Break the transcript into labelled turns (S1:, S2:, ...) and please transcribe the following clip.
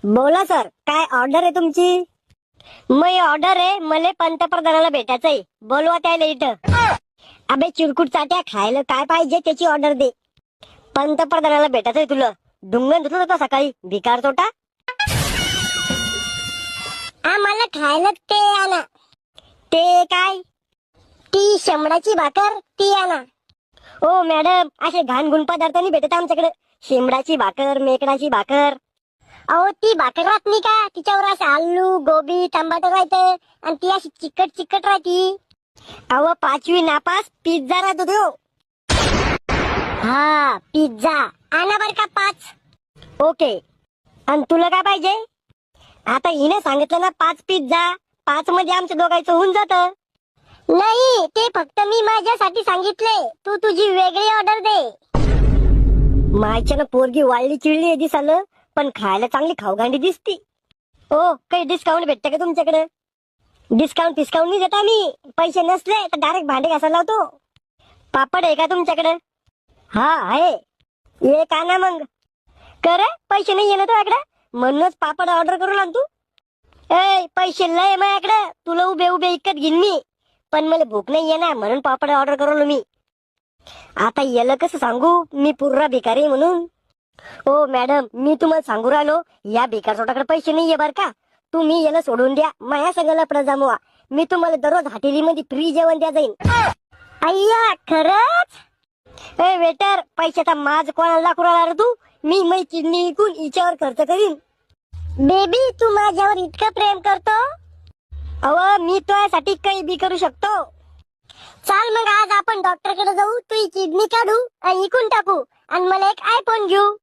S1: बोला सर, काय ऑर्डर आहे तुमची? मी ऑर्डर आहे, मला पंतप्रधानाला भेटायचंय, बोलवा त्याला इथं. अबे चिरकुट चाट्या, खायला काय पाहिजे त्याची ऑर्डर दे. पंतप्रधानाला भेटायचंय तुला. डुंगण धुतलं होता सकाळी, भिकार तोटा. आम्हाला खायला ते आणा. ते काय? ती शेंबडाची भाकर, ती आणा. ओ मॅडम, असे घाणगुण पदार्थ नाही भेटत आमच्याकडे. शेंबडाची भाकर, मेकडाची भाकर. अहो ती भाकर राहत नाही का, तिच्यावर असं आलू गोबी टमाटर राहते आणि ती अशी चिकट चिकट राहती. अहो 5वी नापास पिझ्झा राहतो तो. हा पिझ्झा आणा बर का 5. ओके. आणि तुला काय पाहिजे? आता हिने सांगितलं ना 5 पिझ्झा. 5 मध्ये आमच्या दोघांचं होऊन जात. नाही, ते फक्त मी माझ्यासाठी सांगितले. तू तुझी वेगळी ऑर्डर दे. मायच्यानं पोरगी वाळली चिळली आहे दिसालं, पण खायला चांगली खाऊगांडी दिसती. ओ काही डिस्काउंट भेटते का तुमच्याकडे? डिस्काउंट नाही देत आम्ही. पैसे नसले तर डायरेक्ट भांडे घासायला लावतो. पापड आहे का तुमच्याकडे? हा आहे. एक आणा मग. कर पैसे नाही येणार तुझ्याकडे, म्हणूनच पापड ऑर्डर करून आण तू. ए पैसे लय माझ्याकडे, तुला उभे उभे इकत घेईन मी. पण मला भूक नाही येणार म्हणून पापड ऑर्डर करून मी. आता याला कसं सांगू मी पुर्रा भिकारी म्हणून. ओ मॅडम, मी तुम्हाला सांगू राहिलो, या भिकार सोटाकडे पैसे नाहीये बर का. तुम्ही याला सोडून द्या, माया सगळ्याला लफडा जमवा. मी तुम्हाला दररोज हॉटेलीमध्ये फ्री जेवण द्या जाईन. अय्या खरंच? ए वेटर, पैशाचा माज कोणाला दाखवू राहिला रे तू? मी किडनी विकून हिच्यावर खर्च करीन. बेबी, तू माझ्यावर इतकं प्रेम करतो? अव मी तुझ्यासाठी काही बी करू शकतो. चाल मग आज आपण डॉक्टरकडे जाऊ, तू किडनी काढू आणि इकून टाकू आणि मला एक आयफोन घेऊ.